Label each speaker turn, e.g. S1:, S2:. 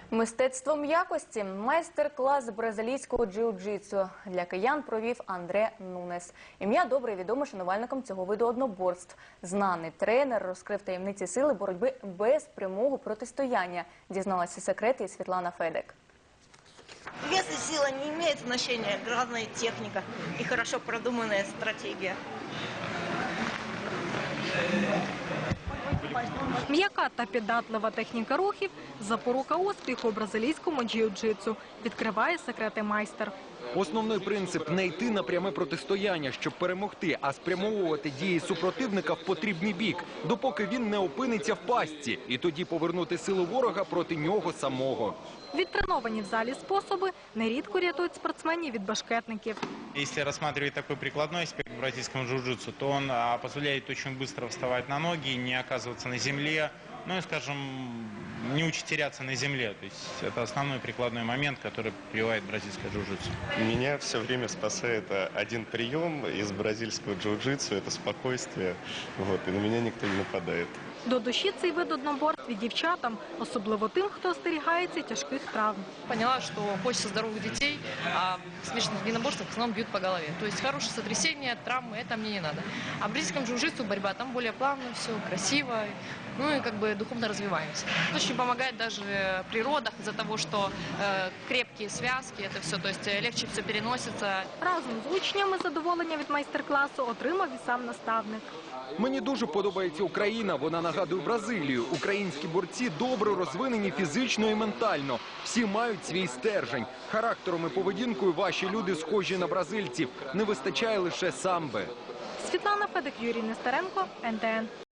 S1: Мистецтво м'якості – майстер-клас з бразилійського джиу-джитсу для киян провів Андре Нунес. Ім'я добре відоме шанувальникам цього виду одноборств. Знаний тренер розкрив таємниці сили боротьби без прямого протистояння. Дізналася секрети і Світлана Федек.
S2: Вес и сила не имеют значения, главная техника и хорошо продуманная стратегия.
S3: М'яка та піддатлива техніка рухів – запорука успіху у бразилійському джиу-джитсу, відкриває секрети майстер.
S4: Основний принцип – не йти на пряме протистояння, щоб перемогти, а спрямовувати дії супротивника в потрібний бік, допоки він не опиниться в пастці, і тоді повернути силу ворога проти нього самого.
S3: Відтреновані в залі способи нерідко рятують спортсменів від башкетників.
S5: Если рассматривать такой прикладной аспект в бразильском джиу-джитсу, то он позволяет очень быстро вставать на ноги, не оказываться на земле, ну и, скажем, не учить теряться на земле. То есть это основной прикладной момент, который прививает бразильское джиу-джитсу.
S6: Меня все время спасает один прием из бразильского джиу-джитсу – это спокойствие, и на меня никто не нападает.
S3: До душі цей вид одноборств і дівчатам, особливо тим, хто остерігається тяжких травм.
S7: Поняла, что хочется здоровых детей, а в смешанных единоборствах в основном бьют по голове. То есть хорошее сотрясение, травмы, это мне не надо. А в бразильском джиу-джитсу борьба, там более плавно все, красиво, ну и как бы духовно развиваемся. Очень помогает даже при родах из-за того, что крепкие связки, это все, то есть легче все переносится.
S3: Разом з учнями задоволення від майстер-класу отримав і сам наставник.
S4: Мені дуже подобається Україна, вона нагадує Бразилію. Українські борці добре розвинені фізично і ментально. Всі мають свій стержень. Характером і поведінкою ваші люди схожі на бразильців. Не вистачає лише самби.
S3: Світлана Федек, Юрій Нестеренко, НТН.